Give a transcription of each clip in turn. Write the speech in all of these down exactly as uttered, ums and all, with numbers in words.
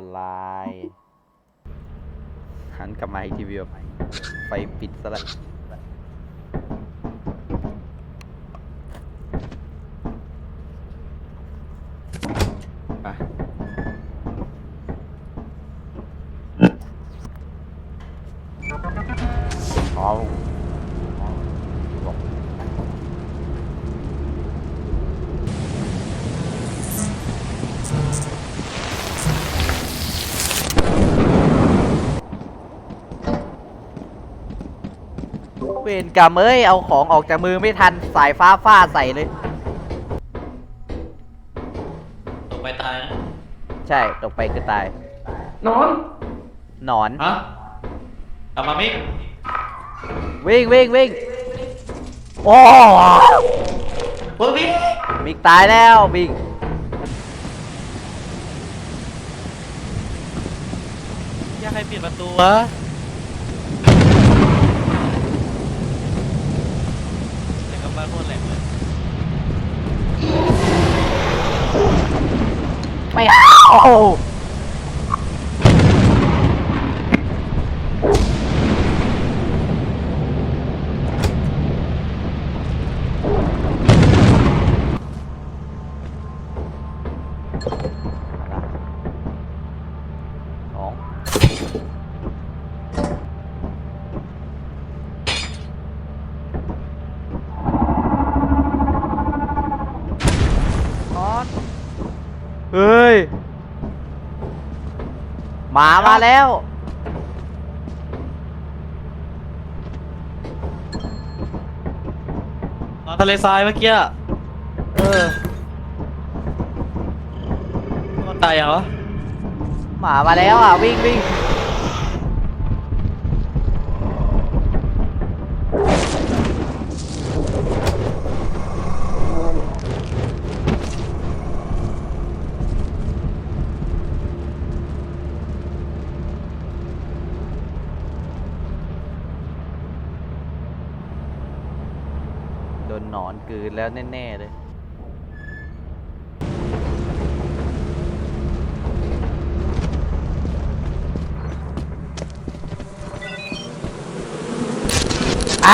อนไลน์หันกลับมาอีกทีวีแบบไฟปิดซะแล้วอ๋อบอกเวรกรรมเอ้ยเอาของออกจากมือไม่ทันสายฟ้าฟาดใส่เลยตกไปตายนะใช่ตกไปคือตายนอนหนอนฮะกลับมามิกวิ่งวิ่งวิ่งโอ้เฮ้ยมิกมิกตายแล้วมิกอยากให้ปิดประตูวะแต่ก็บ้านโคตรแหลกเลยไม่เอาสองเฮ้ยหมามาแล้วนอนทะเลทรายเมื่อกี้เออมันตายยังวะหมามาแล้วอ่ะวิ่งวิ่งโดนหนอนกลืนแล้วแน่ๆเลยอ่ะ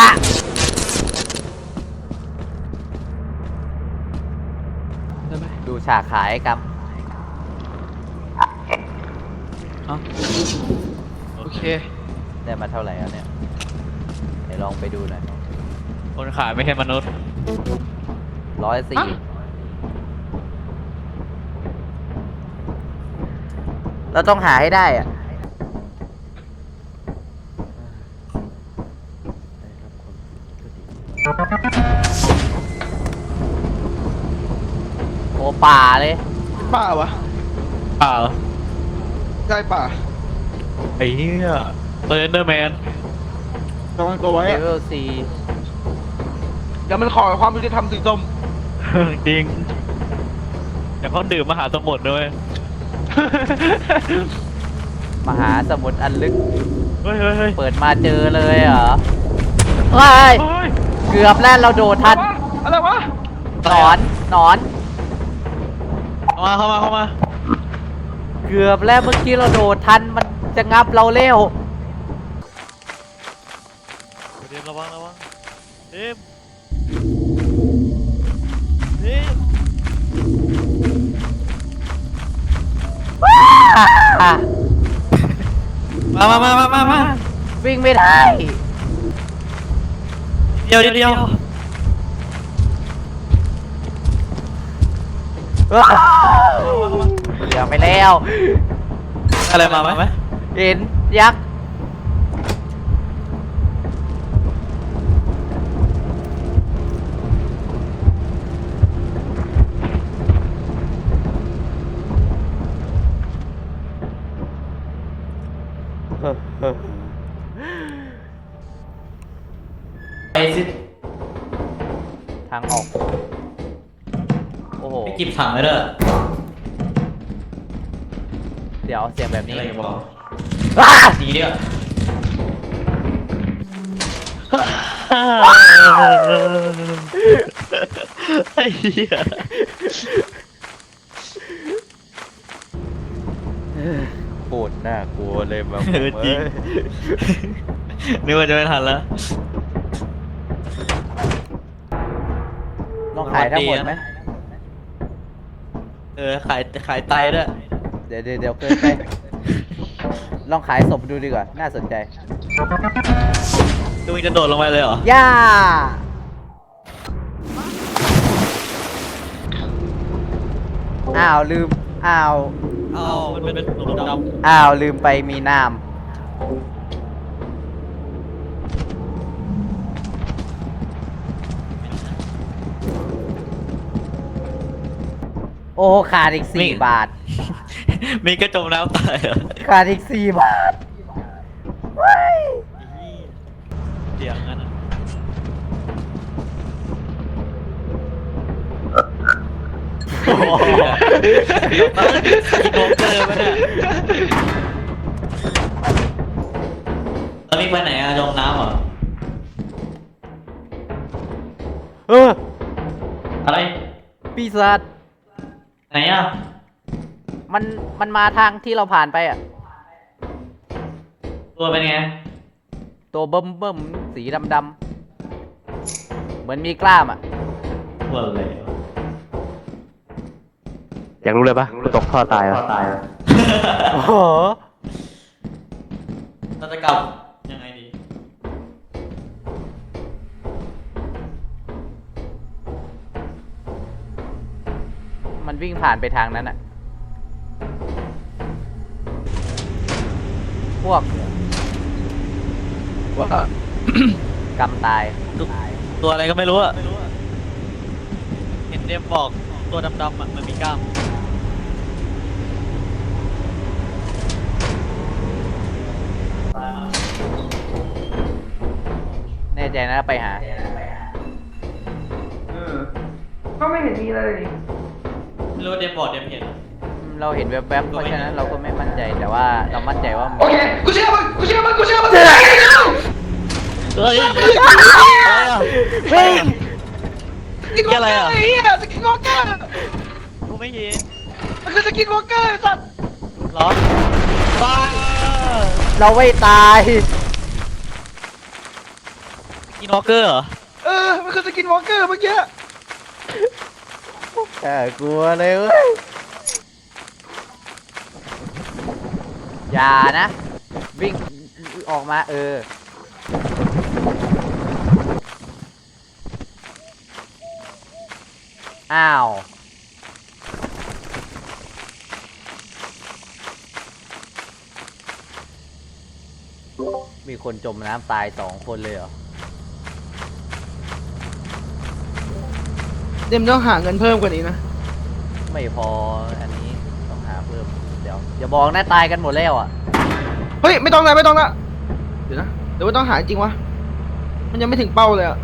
ดูฉากขายกันโอเคได้มาเท่าไหร่แล้วเนี่ยเดี๋ยวลองไปดูหน่อยคนขายไม่ใช่มนุษย์ร้อยสี่เราต้องหาให้ได้อ่ะโอ้ป่าเลยป่าวะเปล่าใช่ป่าไอ้เหี้ยเซนเดอร์แมนระวังตัวไว้เลอะเวลสี่เดี๋ยวมันขอความยุติธรรมสีส้มจริงเดี๋ยวเขาดื่มมหาสมุทรด้วยมหาสมุทรอันลึกเฮ้ยเฮ้ยเฮ้ยเปิดมาเจอเลยเหรอเฮ้ยเกือบแล้วเราโดดทันอะไรวะหนอนหนอนเข้ามาเข้ามาเข้ามาเกือบแล้วเมื่อกี้เราโดดทันมันจะงับเราเร็วเดี๋ยวระวังระวังเอ็มเอ็มมามามามามามาวิ่งไม่ได้เดียวเดียวเดียวเหลือไปแล้วอะไรมาไหมเห็นยักษ์ไปสิทางออกโอ้โหไปจิบถังเลยเด้อเดี๋ยวเสียงแบบนี้อะไรบอกดีเดียวไอ้เหี้ยโคตรน่ากลัวเลยแบบเออจริง นึกว่าจะไม่ทันแล้วลองขายทั้งหมดไหมเออขายขายไตด้วยเดี๋ยวเดี๋ยวเดี๋ยวเกินไป ลองขายศพดูดีกว่า น่าสนใจตัวมึงจะโดดลงไปเลยเหรอย่า อ้าวลืม อ้าวอ้าวมันเป็นหลุมดำอ้าวลืมไปมีน้ำโอ้ขาดอีกสี่บาทมีกระจมน้ำตายเหรอขาดอีกสี่บาทว้ายเดี๋ยวงั้นอะโอ้โหอีกโมเกอร์ปะเนี่ยแล้วมีไปไหนอะจมน้ำเหรอเอออะไรปีศาจไหนอะมัน มันมาทางที่เราผ่านไปอ่ะตัวเป็นไงตัวเบิ่มเบิ่มสีดำดำๆเหมือนมีกล้ามอ่ะตัวอะไรวะอยากรู้เลยปะกูตกท่อตายปะโอ้โหเราจะกลับยังไงดีมันวิ่งผ่านไปทางนั้นอ่ะ พวกว่ากำตายตัวอะไรก็ไม่รู้อะเห็นเดมบอกตัวดำๆอะมันมีกล้ามแน่ใจนะไปหาเออก็ไม่เห็นมีเลยไม่รู้ว่าเดมบอกเดมเห็นเราเห็นแวบๆ เพราะฉะนั้นเราก็ไม่มั่นใจ แต่ว่าเรามั่นใจว่ามีโอเค กูเชื่อมึง กูเชื่อมึง กูเชื่อมึงเฮ้ยวิ่งสกินวอล์กเกอร์ไอ้เหี้ยสกินวอล์กเกอร์กูไม่เห็นมันคือสกินวอล์กเกอร์ไอ้สัตว์เหรอบ้าเราไม่ตายกินวอลเกอร์เหรอเออ มันคือสกินวอล์กเกอร์เมื่อกี้แต่กลัวเลยเว้ยอย่านะ วิ่งออกมาเออ อ้าว มีคนจมน้ำตายสองคนเลยเหรอเดมต้องหาเงินเพิ่มกว่านี้นะไม่พออันนี้ต้องหาเพิ่ม เดี๋ยวอย่าบอกนะตายกันหมดแล้วอ่ะเฮ้ย ไม่ต้องละไม่ต้องละเดี๋ยวนะ เดี๋ยวว่าต้องหาจริงวะ มันยังไม่ถึงเป้าเลยอ่ะ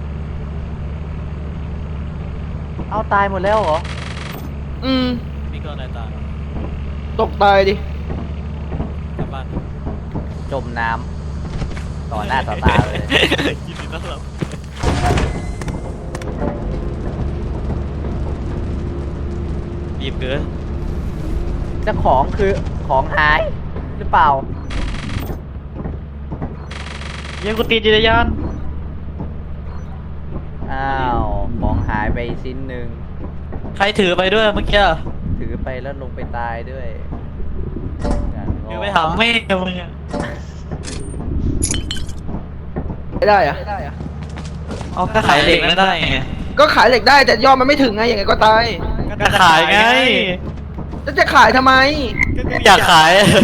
เอาตายหมดแล้วเหรออืมมีก็อะไรตายตกตายดิกลับบ้านจมน้ำต่อหน้าต่อตาเลยยินดีต้อนรับรีบเกินเจ้าของคือของหายหรือเปล่ายังกูตีจักรยานอ้าว ของหายไปชิ้นหนึ่งใครถือไปด้วยเมื่อกี้ถือไปแล้วลงไปตายด้วยงานงถืออกไปถามแม่มึงอะไม่ได้อะเอาก็ขายเหล็กไม่ได้ไงก็ขายเหล็กได้แต่ยอดมันไม่ถึงไงยังไงก็ตายก็ขายไงแล้วจะขายทำไมก็กูอยากขาย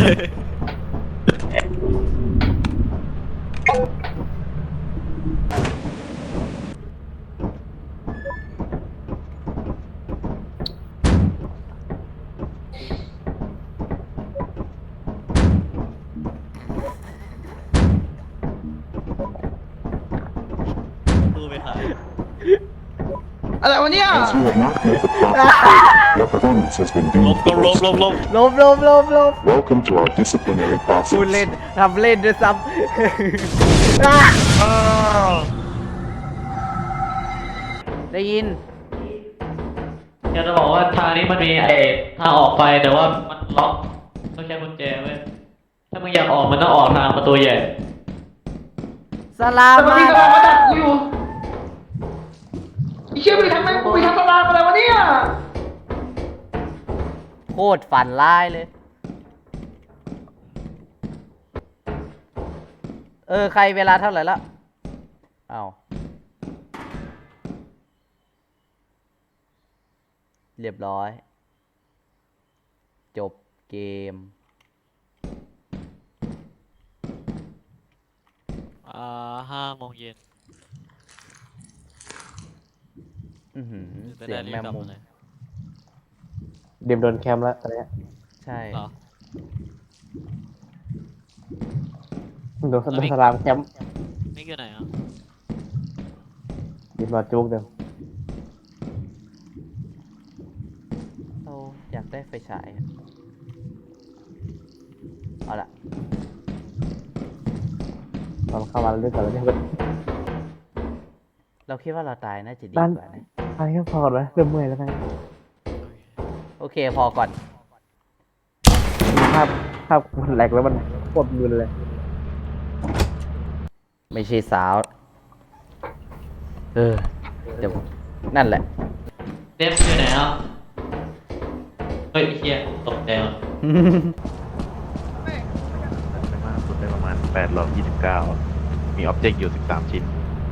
ตู้ไปขายอะไรวะเนี่ย As you have not met the proper your performance has been ล deemed บลบลบลบลบลบลบลบลบ Welcome to our disciplinary พูดเล่น process. ทำเล่นด้วยซ้ำ อ่ะได้ยินอยากจะบอกว่าทางนี้มันมีไอ้ทางออกไปแต่ว่ามันล็อกต้องใช้กุญแจเว้ยถ้ามึงอยากออกมันต้องออกทางประตูใหญ่สลาแต่มันมามีกระดาษมาดักกูอยู่ไอ้เชี่ยไปทำไมกูไปทำตารางอะไรวะเนี่ยโคตรฝันร้ายเลย เออ ใครเวลาเท่าไหร่แล้วเอาเรียบร้อย จบเกมอ่าห้าโมงเย็นอือหือจะเสียได้งรีแมบมกลับมุมมาเลยเดมโดนแคมป์แล้วตอนเนี้ยใช่เหรอโดนโดนสลามแคมป์นี่คือไหนอ่ะดิมาจุกเดิมเราอยากได้ไฟฉายอะเอาละตอนเข้ามาเรื่องก่อนแล้วเนี่ยเราคิดว่าเราตายน่าจะดีนั่นกว่านะอันนี้ก็พอแล้วเริ่มเมื่อยแล้วนะโอเคพอก่อนภาพภาพมันแหลกแล้วมันปวดมือเลยไม่ใช่สาว เออเดี๋ยวนั่นแหละเดฟอยู่ไหนอ่ะเฮ้ยไอ้เฮียตกใจว่ะได้มากสุดได้ประมาณแปดร้อยยี่สิบเก้ามีอ็อบเจกต์อยู่สิบสามชิ้น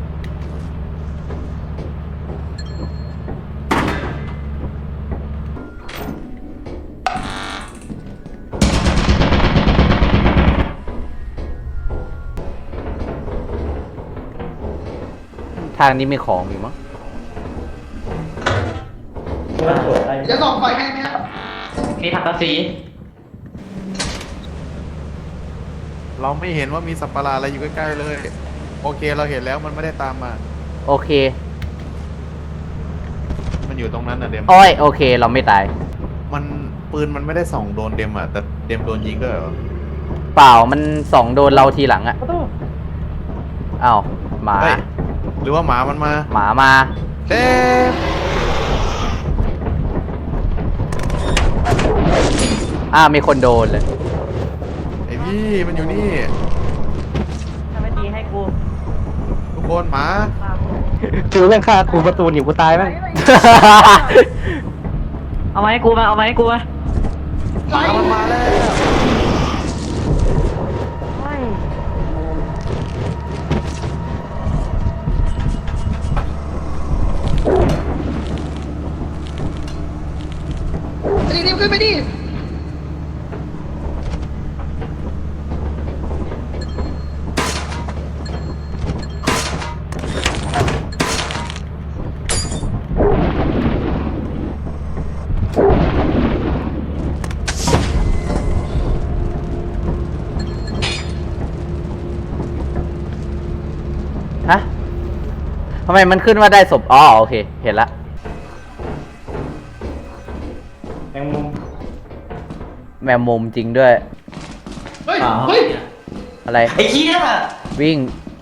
ทางนี้มีของอยู่มั้งจะส่องไฟให้ไหมครับมีถังกระสีเราไม่เห็นว่ามีสัตว์ประหลาดอะไรอยู่ใกล้ๆเลย โอเคเราเห็นแล้วมันไม่ได้ตามมาโอเคมันอยู่ตรงนั้นน่ะเดมโอ้ยโอเค เราไม่ตายมันปืนมันไม่ได้ส่องโดนเดมอ่ะแต่เดมโดนยิงด้วยเหรอเปล่ามันส่องโดนเราทีหลังอะอ้าวหมาเฮ้ยหรือว่าหมามันมาหมามาเดมอ้าวมีคนโดนเลยไอพี่มันอยู่นี่ถ้าไม่ตีให้กูทุกคนหมาคือเรื่องฆ่ากูประตูหนีกูตายไหมเอาไว้ให้กูมาเอาไว้ให้กูมาหมามันมาแล้วรีบๆขึ้นไปดิฮะทำไมมันขึ้นว่าได้ศพอ๋อโอเค เห็นละแมงมุมแมวมุมจริงด้วยเฮ้ย เฮ้ยอะไรไอ้เหี้ยวิ่ง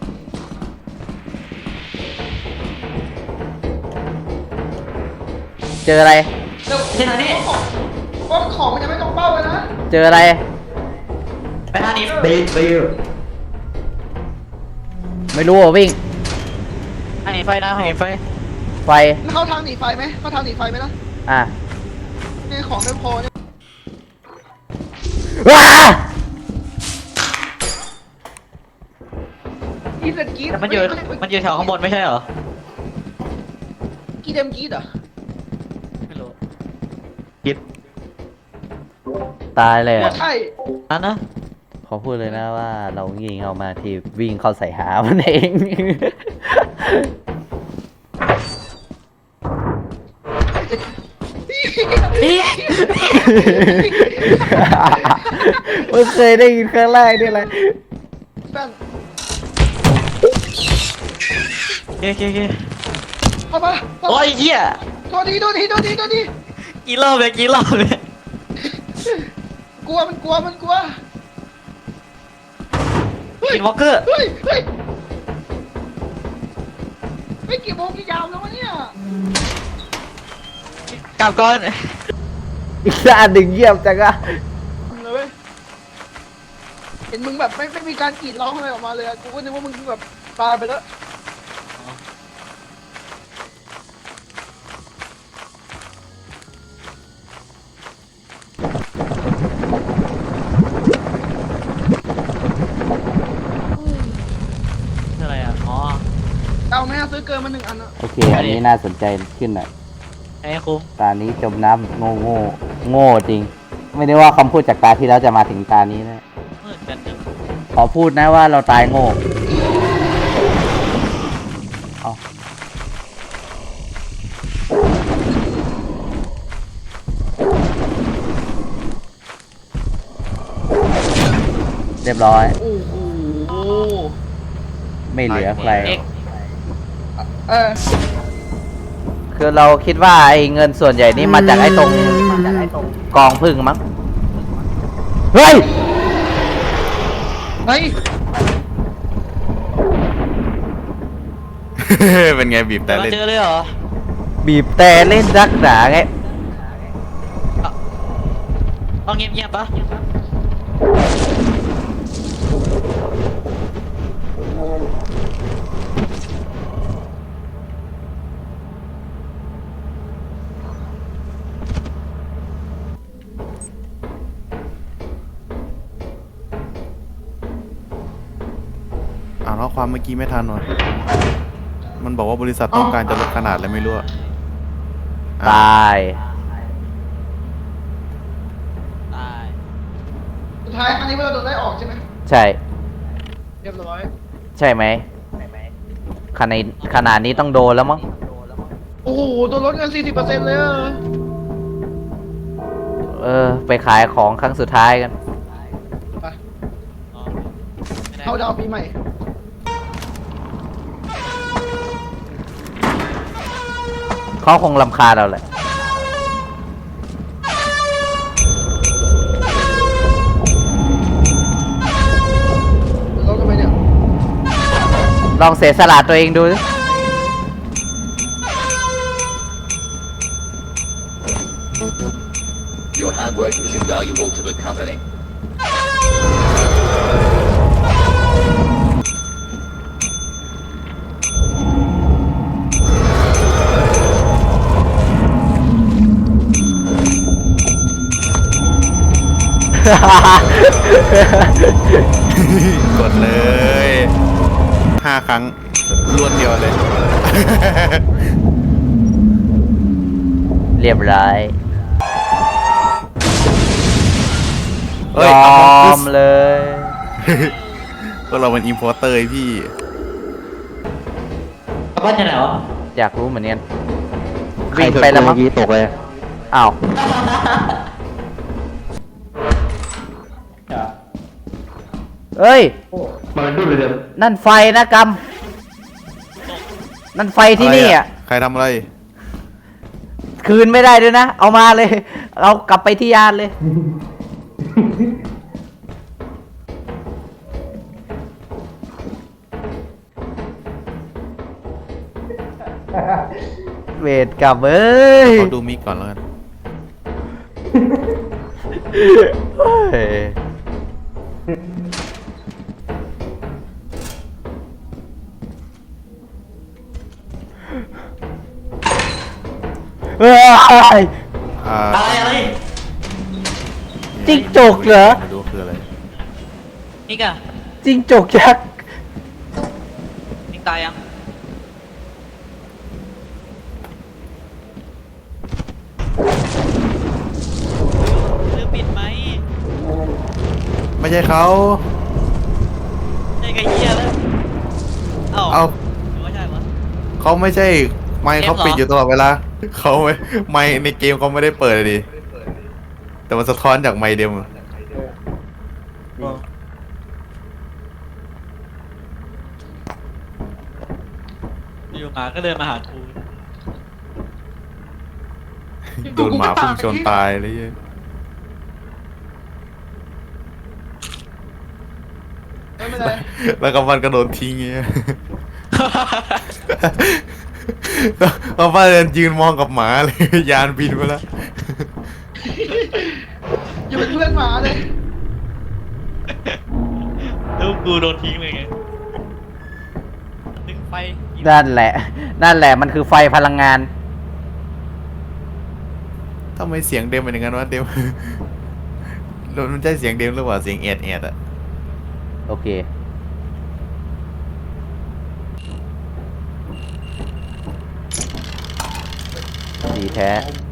เจออะไรเดี๋ยวที่ไหนนี่ว่าของมันยังไม่ตรงเป้าเลยนะเจออะไรไปทางนี้ตีตีไม่รู้อ่ะวิ่งทางหนีไฟนะทางหนีไฟไฟแล้วเข้าทางหนีไฟไหมเข้าทางหนีไฟไหมนะอ่ะเนี่ยของไม่พอเนี่ยว้ากีดเดนกีดแต่มันอยู่มันอยู่แถวข้างบนไม่ใช่เหรอกีดเดมกีดเหรอไม่รู้คิดตายเลยอ่ะใช่นั่นนะขอพูดเลยนะว่าเรายิงเอามาที่วิ่งเข้าใส่หามันเอง ไม่เคยได้ยินครั้งแรกนี่เลยแป้งโอเคโอเคโอเคเข้ามาเข้าโอ้มายเหี้ยโทษทีโทษทีโทษทีโทษทีกี่รอบเลยกี่รอบเลยกลัวมันกลัวมันกลัว เฮ้ยกินวอลเกอร์เฮ้ย เฮ้ยไม่กี่โมงกี่ยามแล้ววะเนี่ยกลับก่อนอีกด้านหนึ่งเยี่ยมจังอะเลยเว้ยเห็นมึงแบบไม่ไม่มีการกรีดร้องอะไรออกมาเลยอะกูก็นึกว่ามึงแบบตายไปแล้วอะไรอ่ะ อ๋อเอาไหมอะซื้อเกินมาหนึ่งอันอะโอเค อันนี้น่าสนใจขึ้นหน่อยไอ้คุ้มตานี้จมน้ำโง่โง่โง่จริง ไม่ได้ว่าคำพูดจากตาที่แล้วจะมาถึงตานี้นะมืดกันจังขอพูดนะว่าเราตายโง่เอาเรียบร้อยโอ้โหไม่เหลือใครเอ็กเออคือเราคิดว่าไอ้เงินส่วนใหญ่นี่มาจากไอ้ตรงกองพึ่งมั้ง เฮ้ยเฮ้ยเป็นไงบีบแต่มาเล่นเจอเลยเหรอบีบแต่เล่นรักหนาไงต้องเงียบๆปะอ่านข้อความเมื่อกี้ไม่ทันวะมันบอกว่าบริษัทต้องการจะลดขนาดอะไรไม่รู้อะตายตายสุดท้ายอันนี้เราโดนไล่ออกใช่ไหมใช่เรียบร้อยใช่ไหมขนาดขนาดนี้ต้องโดนแล้วมั้งโอ้โหโดนลดเงินสี่สิบเปอร์เซ็นต์เลยอะเออ ไปขายของครั้งสุดท้ายกันไปอ๋อไม่ได้เข้าดาวปีใหม่เขาคงรำคาญเราแหละลดทำไมเนี่ยลองเสียสละตัวเองดูสิ Your hard work is invaluable to the company. กดเลยห้าครั้งรวดเดียวเลยเรียบร้อยเฮ้ยยเอาอของมเลยพวกเราเป็นอินพอร์เตอร์พี่บ้านจะไหนวะอยากรู้เหมือนกันใครวิ่งเกิดไปแล้วเมื่มั้อง กี้ตกเลยอ้าวเอ้ยมันดูเลยเดิมนั่นไฟนะกำนั่นไฟที่นี่อ่ะใครทำอะไรคืนไม่ได้ด้วยนะ เอามาเลย เอากลับไปที่ยานเลย เวทกลับเอ้ยขอดูมิกก่อนแล้วกันเฮ้ยเฮ้ยอ่าอะไรอะไรจิ้งจกเหรอไม่รู้คืออะไรนี่กะจิ้งจกยักษ์นี่ตายยังลืมปิดไหมไม่ใช่เขาใช่กะเหี้ยแล้วเอ้าเอาหรือว่าใช่วะเขาไม่ใช่ ไมค์เขาเกมเหรอปิดอยู่ตลอดเวลาเขาไม่ไมค์ในเกมเขาไม่ได้เปิดเลยดิแต่มันสะท้อนจากไมค์เดิมอยู่หมาก็เดินมาหากูโดนหมาพุ่งชนตายเลยเหี้ยไม่เป็นไรแล้วก็มันก็โดนทิ้งเงี้ย แล้วป้าเดินยืนมองกับหมาเลย ยานบินไปแล้วอยู่เป็นเพื่อนหมาเลยกูโดนทิ้งเลยไงดึงไฟนั่นแหละ นั่นแหละมันคือไฟพลังงานทำไมเสียงเดมเป็นอย่างนั้นวะเดม มันใช่เสียงเดมหรือเปล่าเสียงแอดแอดอะโอเค ดีแท้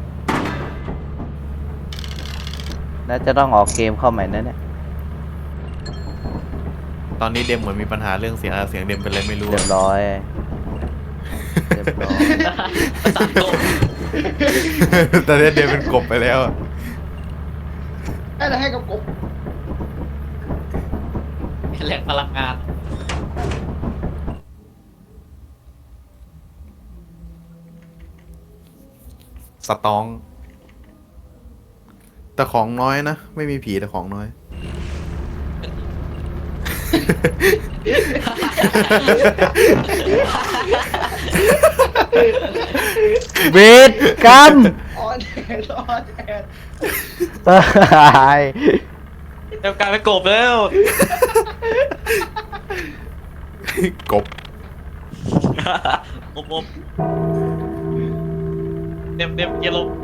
น่าจะต้องออกเกมเข้าใหม่นะเนี่ยตอนนี้เดมเหมือนมีปัญหาเรื่องเสียงอะเสียงเดมเป็นอะไรไม่รู้เรียอะบร้อย เรียบร้อยตัดลมตอนนี้เดมเป็นกบไปแล้วอะให้อะไรให้กับกบแหล่งพลังงานสตอง แต่ของน้อยนะ ไม่มีผีแต่ของน้อยเวทกรรมออนแอดออนแอดตายเดี๋ยวกลายเป็นกบแล้วกบอบอบเต็มเต็มเกียร์ลง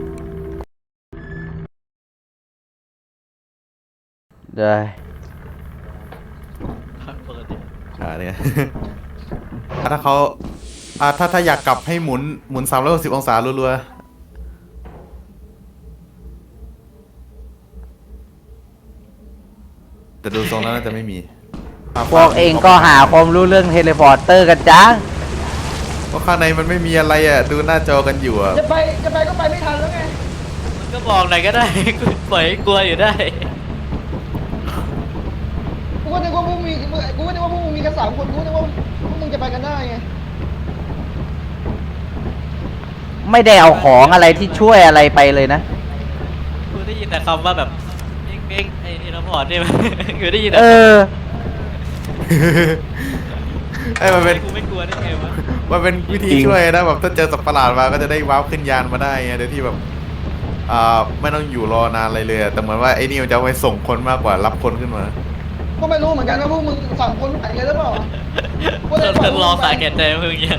ได้เปิดดิอ่าเนี่ย ถ้าเขาอ่าถ้าถ้าอยากกลับให้หมุนหมุนสามร้อยหกสิบองศารัวๆแต่ดูทรงแล้วน่าจะไม่มีอ่ะพวกเองก็หาความรู้เรื่องเทเลพอร์เตอร์กันจ้าเพราะข้างในมันไม่มีอะไรอ่ะ ดูหน้าจอกันอยู่อ่ะจะไปจะไปก็ไปไม่ทันแล้วไงมันก็บอกหน่อยก็ได้ กูปล่อยให้กลัวอยู่ได้กูก็นึกว่าพวกมึงกูก็นึกว่าพวกมึงมีกันสามคนกูก็นึกว่าพวกมึงจะไปกันได้ไงไม่ได้เอาของอะไรที่ช่วยอะไรไปเลยนะกูได้ยินแต่คำว่าแบบเม้งเม้งไอ้เทเลพอร์ตเนี่ย กูได้ยินแต่เออไอ้ยมันเป็นกูไม่กลัวได้ไงวะมันเป็นวิธีจริงช่วยนะแบบถ้าเจอสัตว์ประหลาดมาก็จะได้ว้าวขึ้นยานมาได้ไงโดยที่แบบอ่าไม่ต้องอยู่รอนานอะไรเลยอะแต่เหมือนว่าไอ้นี่มันจะเอาไปส่งคนมากกว่ารับคนขึ้นมาก็ไม่รู้เหมือนกันว่าพวกมึงสามคนไหนกันหรือเปล่าเพิ่งเพิ่งรอสายแก่ใจเพิ่งยัง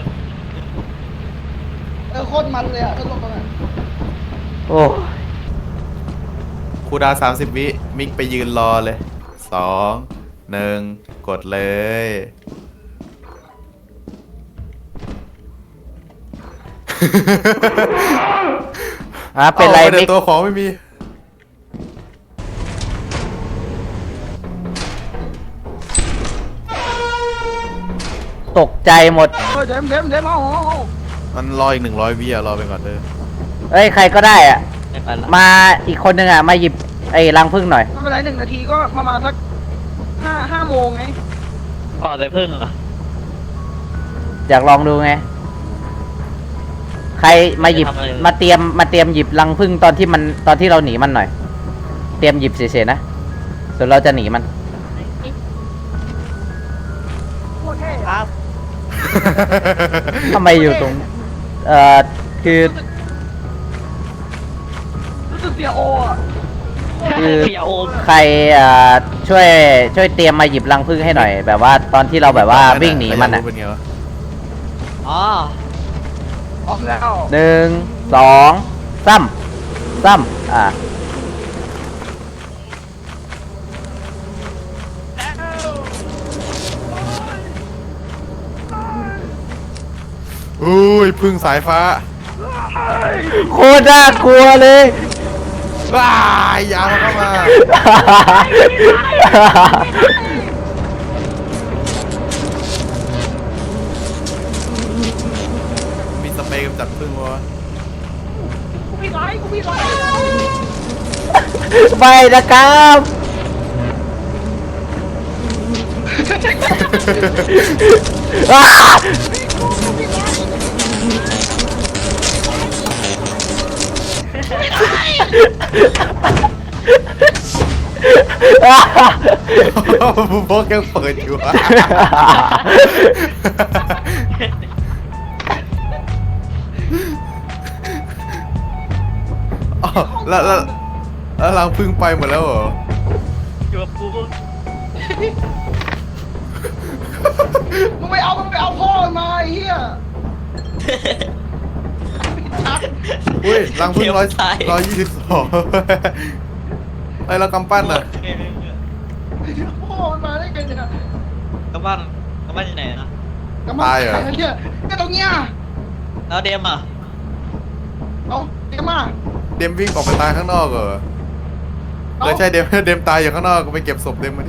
เออโคตรมันเลยอ่ะถ้าลงตรงนั้นโอ้ครูดาวสามสิบวิมิกไปยืนรอเลยสองหนึ่งกดเลยฮะเป็นไรอามิกตัวของไม่มีตกใจหมดเออเดมเดมเดมเอาเอาเอามันรออีกหนึ่งร้อยวิอะรอไปก่อนเด้อเอ้ย ใครก็ได้อะไม่ไปละมาอีกคนนึงอ่ะ มาหยิบไอ้รังพึ่งหน่อยไม่เป็นไรหนึ่งนาทีก็ประมาณสักห้าห้าโมงไงก่อนเลยเพิ่งเหรออยากลองดูไง ใครมาหยิบไม่ได้ทำอะไรเลยมาเตรียม มาเตรียมหยิบรังพึ่งตอนที่มัน ตอนที่เราหนีมันหน่อย เตรียมหยิบเฉยๆนะส่วนเราจะหนีมันครับทำไมอยู่ตรง เอ่อ คือรู้สึกเสียโออ่ะคือเขียวโอมใครเอ่อช่วยช่วยเตรียมมาหยิบรังพึ่งให้หน่อย แบบว่าตอนที่เราแบบว่าวิ่งหนีมันอ่ะเป็นไงวะอ๋อออกแล้วหนึ่งสองซ้ำซ้ำอ่ะอุ้ยพึ่งสายฟ้าโคตรน่ากลัวเลยว้ายยามันเข้ามา มีสเปรย์กำจัดพึ่งวะกูมีไลค์กูมีไลค์ไปนะครับอ้าบุบอกยังเปิดอยู่อะอ๋อแล้วแล้วแล้วรังพึ่งไปหมดแล้วเหรออยู่กับกูมึงไปเอามึงไปเอาพ่อมันมาไอ้เหี้ยชักอุ้ยรังพึ่งร้อยเข็มตายร้อยยี่สิบสองไอ้ยเรากำปั้นอ่ะพ่อมันมาได้ไงเนี่ยกลับบ้านกลับบ้านที่ไหนนะกำลังตายเหรอไอ้เหี้ยก็ตรงเนี้ยแล้วเดมอ่ะเอาเดี๋ยวมาเดมวิ่งออกไปตายข้างนอกเหรอเอาเลยใช่เดม เดมตายอยู่ข้างนอกก็ไปเก็บศพเดมมาดิ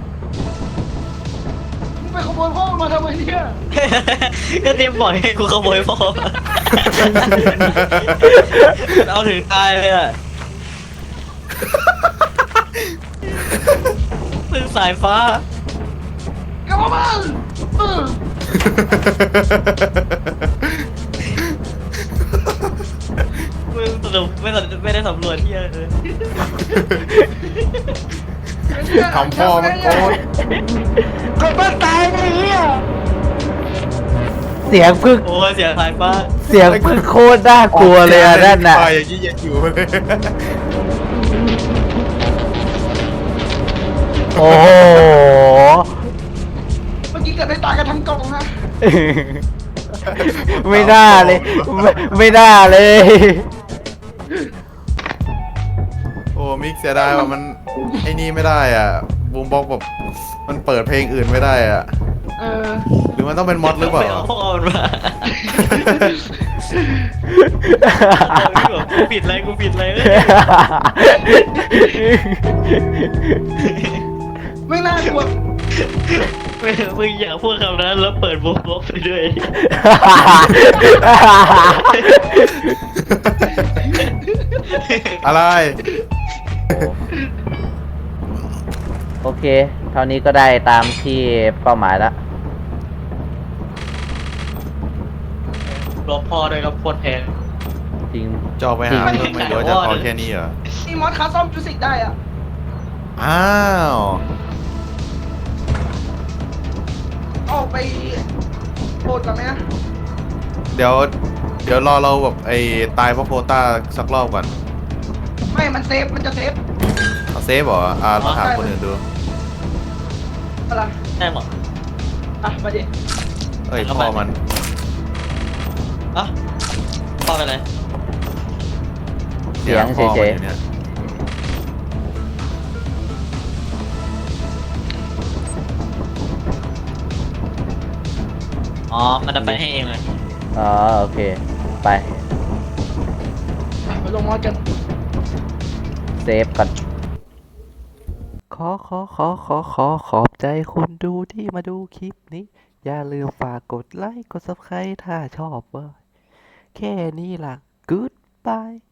มึงไปขโมยพ่อมันมาทำไมเนี่ยก็เดมบอกให้กูขโมยพ่อเอาถึงตายเลยอ่ะพึ่งสายฟ้ากลับมาบ้านเออมึงสรุปไม่สนไม่ได้สำรวจที่อะไรเลยทำพ่อมันโกรธกลับบ้านตายไอ้เหี้ยเสียงพึ่งโอ้ยเสียสายฟ้าเสียงพึ่งโคตรน่ากลัวเลยอะนั่นน่ะตายอย่างนี้ยังอยู่เลยโอ้โหเมื่อกี้เกิดได้ตายกันทั้งกองนะไม่น่าเลย ไม่ไม่น่าเลยโอ้มิกเสียดายว่ามันไอ้นี่ไม่ได้อ่ะบูมบ็อกแบบมันเปิดเพลงอื่นไม่ได้อ่ะเออหรือมันต้องเป็นมอดหรือเปล่าไปเอาพ่อมันมากูผิดอะไรกูผิดอะไรเอ้ยไม่น่ากลัวไม่มึงอย่าพูดคำนั้นแล้วเปิดบุ๊กบ็อกไปด้วยอะไรโอเค เท่านี้ก็ได้ตามที่เป้าหมายแล้วรวมพ่อด้วยครับโคตรแพงจริงจะออกไปหาเพิ่มไหม่หรือว่าจะพอแค่นี้เหรอมีมอสคาซ่อมจูสิกได้อะอ้าวออกไปโบดก่อนไหมนะเดี๋ยว เดี๋ยวรอเราแบบไอ้ตายเพราะโควต้าสักรอบก่อนไม่มันเซฟมันจะเซฟเอาเซฟเหรออ่าต้องถามคนอื่นดูอะไรได้หมดอ่ะมาดิเอ้ยพ่อมันอ่ะพ่อไปไหนเสียงพ่อมันเฉยๆอยู่เนี่ยอ๋อมันจะไปให้เองเลยอ๋อโอเค ไปไปลงมอสกันเซฟก่อน ขอขอขอขอขอขอบใจคุณดูที่มาดูคลิปนี้ อย่าลืมฝากกดไลค์ กด ซับสไครบ์ ถ้าชอบเว้ยแค่นี้ล่ะ Goodbye